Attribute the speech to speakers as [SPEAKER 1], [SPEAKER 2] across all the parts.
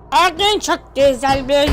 [SPEAKER 1] Bugün çok güzel bir...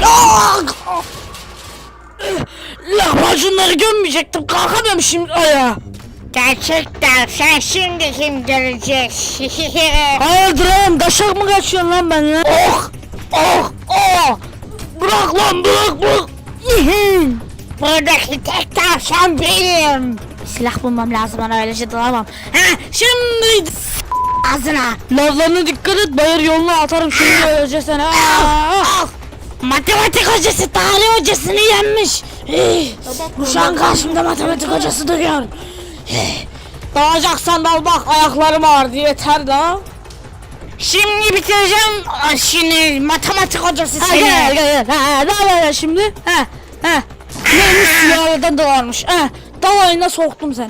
[SPEAKER 1] Lahmacunları gömmeyecektim. Kalkamıyorum şimdi ayağa.
[SPEAKER 2] Gerçekten sen şimdi kim görecek?
[SPEAKER 1] Hayırdır oğlum? Daşak mı kaçıyorsun lan benimle? Oh! Oh! Oh! Bırak lan bırak!
[SPEAKER 2] Buradaki tek tavşan benim.
[SPEAKER 1] Silah bulmam lazım, bana öylece dalamam. Ha, şimdi
[SPEAKER 2] Ağzına.
[SPEAKER 1] lavlarına dikkat et, bayır yoluna atarım şimdi öylece seni.
[SPEAKER 2] Matematik hocası tarih hocasını yenmiş.
[SPEAKER 1] Şu an karşımda matematik hocası duruyor. Dalacaksan dal bak, ayaklarım ağrıdı, yeter daha.
[SPEAKER 2] Şimdi bitireceğim şimdi matematik hocası seni.
[SPEAKER 1] Gel. Dal şimdi. Neymiş, silahlardan dalarmış. Dal oyuna soktum seni.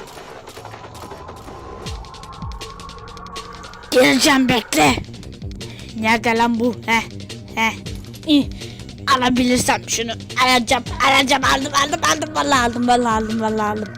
[SPEAKER 2] Geleceğim bekle.
[SPEAKER 1] Nerede lan bu? İyi. Alabilirsem şunu. Alacağım. Aldım. Vallahi aldım.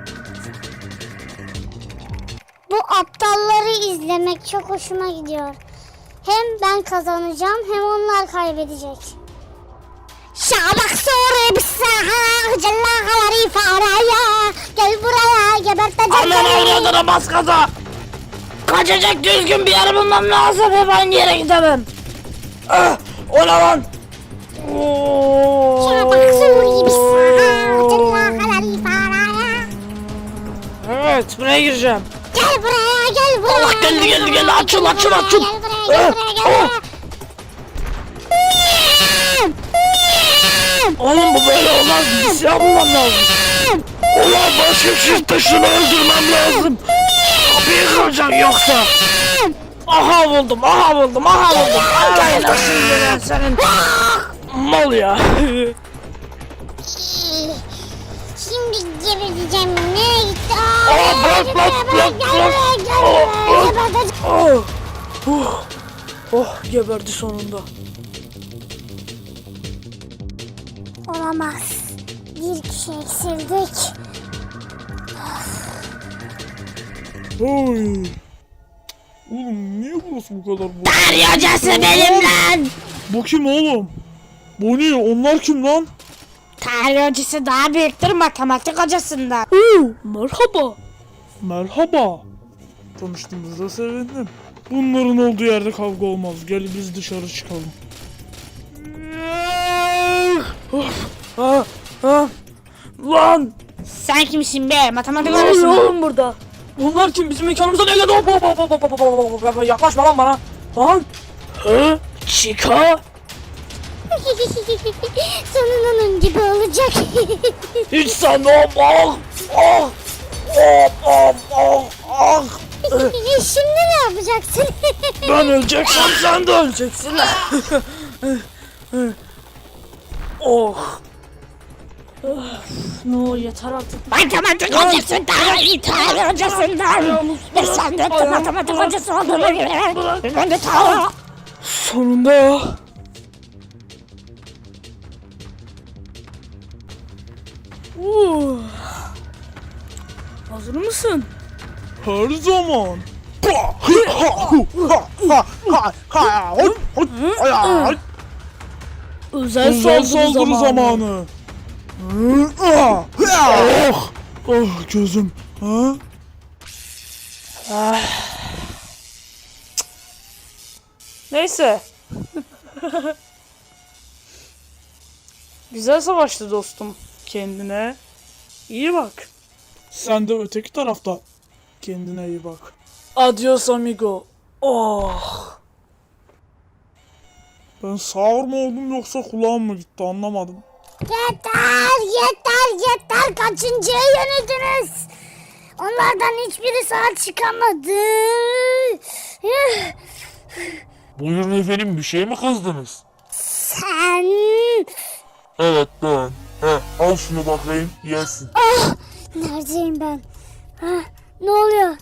[SPEAKER 3] Bu aptalları izlemek çok hoşuma gidiyor. Hem ben kazanacağım hem onlar kaybedecek. Şabak soru bir saha cellahaları faraya. Gel buraya geberteceğim
[SPEAKER 1] Aman
[SPEAKER 3] seni.
[SPEAKER 1] avradına bas gaza. Kaçacak düzgün bir yer bulmam lazım. Hep aynı yere gidemem. O ne lan?
[SPEAKER 3] Şabak soru bir saha cellahaları faraya.
[SPEAKER 1] Evet, buraya gireceğim.
[SPEAKER 3] Gel buraya.
[SPEAKER 1] Allah geldi. Açıl.
[SPEAKER 3] Gel buraya.
[SPEAKER 1] Oğlum bu böyle olmaz. Bir silah bulmam lazım. Ulan başka bir şey taşını öldürmem lazım. Kapıyı kıracağım yoksa. Aha buldum. Gel lan şimdi ben senin. Mal ya.
[SPEAKER 3] Şimdi geberteceğim. Nereye gitti?
[SPEAKER 1] Bırak.
[SPEAKER 3] Geberteceğim.
[SPEAKER 1] Oh, geberdi sonunda.
[SPEAKER 3] Olamaz. Bir kişi eksildik.
[SPEAKER 4] Oy. Oğlum niye burası bu kadar boş?
[SPEAKER 2] Tarih hocası benim lan.
[SPEAKER 4] Bu kim oğlum? Bu ne? Onlar kim lan?
[SPEAKER 2] Tarih hocası daha büyüktür matematik hocasından.
[SPEAKER 1] Merhaba.
[SPEAKER 4] Merhaba. Tanıştığımıza sevindim. Bunların olduğu yerde kavga olmaz. Gel biz dışarı çıkalım.
[SPEAKER 1] Lan.
[SPEAKER 2] Sen kimsin be matematik
[SPEAKER 1] Ne oluyor
[SPEAKER 2] hocası mı?
[SPEAKER 1] oğlum burada? Bunlar kim? Bizim mekanımıza ne geldi? Hop. Yaklaşma lan bana. Lan. Chica.
[SPEAKER 3] Sonun onun gibi olacak.
[SPEAKER 1] Hiç sanmam.
[SPEAKER 3] Şimdi ne yapacaksın?
[SPEAKER 1] Ben öleceksem sen de öleceksin. No yeter artık.
[SPEAKER 2] Matematik hocası daha iyi tarih hocasından. Ve sen de matematik hocası olduğunu göre. Ben de tarih.
[SPEAKER 1] Sonunda ya. Hazır mısın?
[SPEAKER 4] Her zaman.
[SPEAKER 1] Özel
[SPEAKER 4] Özel
[SPEAKER 1] saldırı
[SPEAKER 4] saldırı
[SPEAKER 1] zamanı.
[SPEAKER 4] zamanı. Gözüm. Ha?
[SPEAKER 1] Neyse. Güzel savaştı dostum. Kendine iyi bak.
[SPEAKER 4] Sen de öteki tarafta. Kendine iyi bak.
[SPEAKER 1] Adios amigo. Oh.
[SPEAKER 4] Ben sağır mı oldum yoksa kulağım mı gitti anlamadım.
[SPEAKER 3] Yeter. Kaçıncıya yenildiniz? Onlardan hiçbiri sağ çıkamadı.
[SPEAKER 5] Buyurun efendim, bir şey mi kızdınız?
[SPEAKER 3] Sen...
[SPEAKER 5] Evet ben. Al şunu bakayım, yesin.
[SPEAKER 3] Neredeyim ben? Ne oluyor?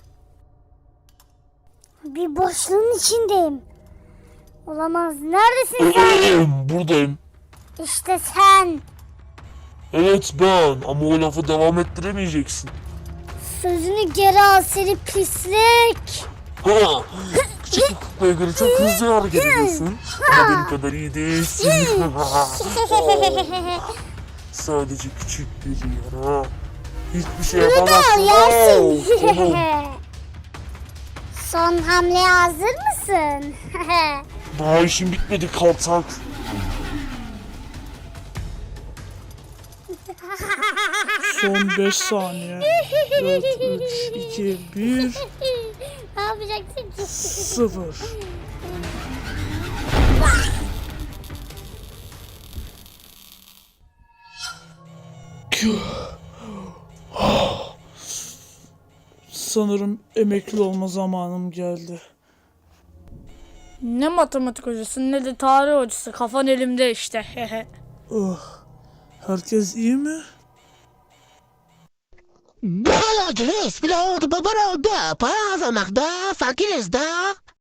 [SPEAKER 3] Bir boşluğun içindeyim. Olamaz. Neredesin sen?
[SPEAKER 5] Buradayım.
[SPEAKER 3] İşte sen.
[SPEAKER 5] Evet ben, ama o lafı devam ettiremeyeceksin.
[SPEAKER 3] Sözünü geri al seni pislik.
[SPEAKER 5] küçük bir kuklaya göre çok hızlı hareket ediyorsun. Ama benim kadar iyi değilsin. Sadece küçük bir yara. Hiçbir şey yapamazsın. Tamam.
[SPEAKER 3] Son hamleye hazır mısın?
[SPEAKER 5] Daha işin bitmedi kaltak.
[SPEAKER 4] Son 5 saniye. 4, 3, 2, 1,
[SPEAKER 3] Ne yapacaksın ki?
[SPEAKER 4] 0. Sanırım emekli olma zamanım geldi.
[SPEAKER 1] Ne matematik hocası ne de tarih hocası. Kafan elimde işte.
[SPEAKER 4] Herkes iyi mi?
[SPEAKER 6] Bağladınız bile oldu baba oldu. Para kazanmakta fakiriz de.